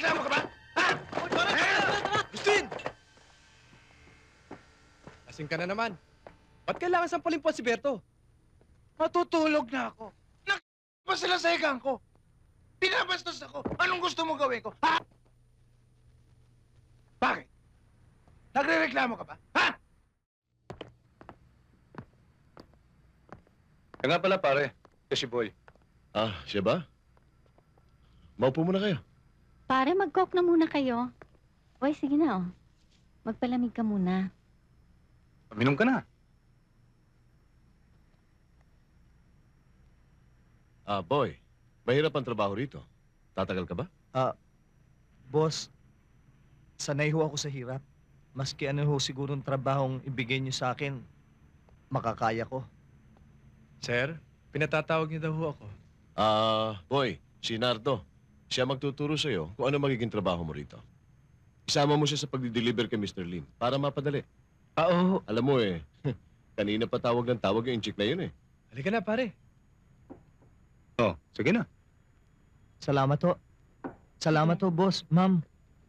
Nagrereklamo ka ba? Ha? Justin! Lasing ka na naman. Ba't kailangan sampalin po si Berto? Matutulog na ako. Pa sila sa higang ko. Pinabastos ako. Anong gusto mo gawin ko? Ha? Bakit? Nagrereklamo ka ba? Ha? Kaya nga pala, pare. Kasi boy. Ah, siya ba? Maupo muna kayo. Pare, mag-coke na muna kayo. Hoy, sige na, oh. Magpalamig ka muna. Minom ka na. Ah, boy. Mahirap ang trabaho rito. Tatagal ka ba? Boss, sanay ho ako sa hirap. Maski ano ho sigurong trabahong ibigay niyo sa akin, makakaya ko. Sir, pinatatawag niyo daw ho ako. Ah, boy. Si Nardo. Siya magtuturo sa'yo kung ano magiging trabaho mo rito. Isama mo siya sa pag-deliver kay Mr. Lim para mapadali. Oo. Alam mo kanina pa tawag ng tawag yung chick na yun eh. Halika na, pare. Oh, sige na. Salamat ho. Salamat ho, boss. Ma'am.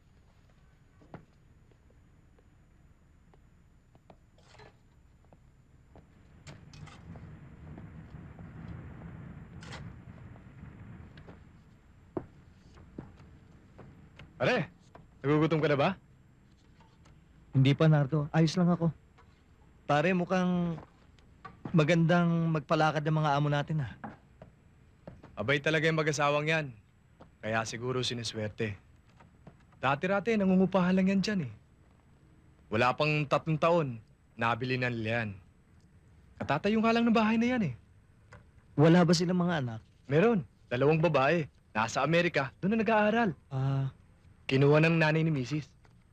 Pare, nagugutom ka na ba? Hindi pa, Nardo. Ayos lang ako. Pare, mukhang magandang magpalakad ng mga amo natin, ha? Abay talaga yung mag-asawang yan. Kaya siguro siniswerte. Dati-rati, nangungupahan lang yan dyan eh. Wala pang 3 taon, nabili na nila yan. Katatayo nga lang ng bahay na yan eh. Wala ba silang mga anak? Meron, 2 babae. Nasa Amerika, doon na nag-aaral. Kinuha ng nanay ni Mrs.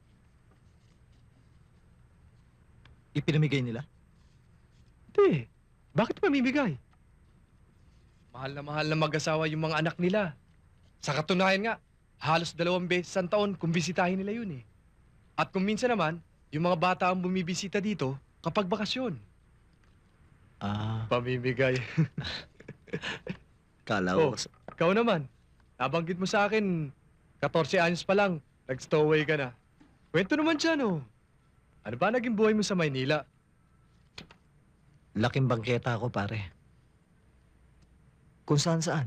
Ipinamigay nila? Hindi. Bakit mamimigay? Mahal na mag-asawa yung mga anak nila. Sa katunayan nga, halos 2 beses sa taon kung bisitahin nila yun eh. At kung minsan naman, yung mga bata ang bumibisita dito kapag bakasyon. Pamimigay. Kala Oh. ko. Ikaw naman, nabanggit mo sa akin, 14 anyos pa lang, nag-stowaway ka na. Kwento naman dyan oh. Ano ba naging buhay mo sa Maynila? Laking bangketa ako, pare. Kung saan-saan.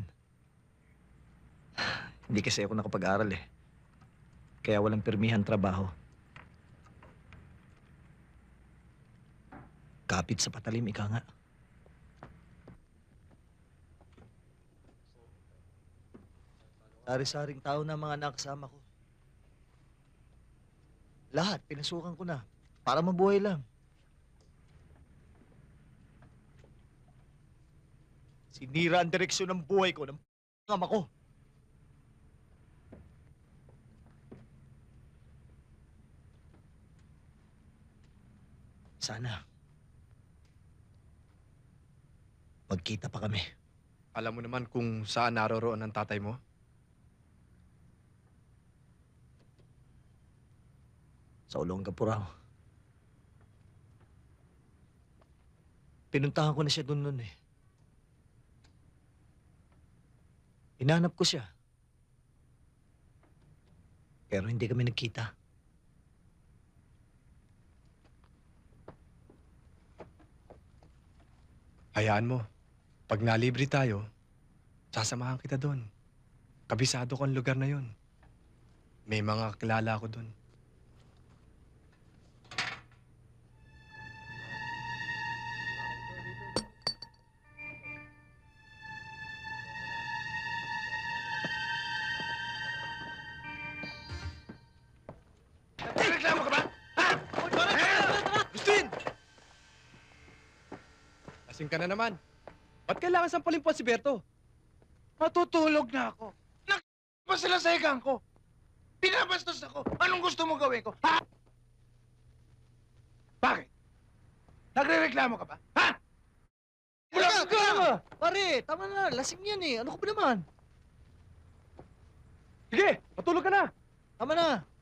Hindi kasi ako nakapag-aral eh. Kaya walang pirmihan trabaho. Kapit sa patalim, ika nga. Sari-saring tao na mga nakasama ko. Lahat, pinasukan ko na. Para mabuhay lang. Sinira ang direksyon ng buhay ko ng ama ko. Sana. Magkita pa kami. Alam mo naman kung saan naroroon ang tatay mo? Sa Olongaporao. Pinuntahan ko na siya doon noon eh. Hinanap ko siya. Pero hindi kami nagkita. Hayaan mo. Pag nalibre tayo, sasamahan kita doon. Kabisado ko ang lugar na yun. May mga kilala ko doon. Nagrereklamo ka ba? Ha? Justin! Lasing ka na naman. Ba't kailangan sampalin po si Berto? Matutulog na ako. Pa sila sa higang ko. Pinabastos ako. Anong gusto mo gawin ko? Ha? Bakit? Nagrereklamo ka ba? Ha? Wala ka! Pare, tama na. Lasing yan eh. Ano ko ba naman? Sige, matulog ka na. Tama na.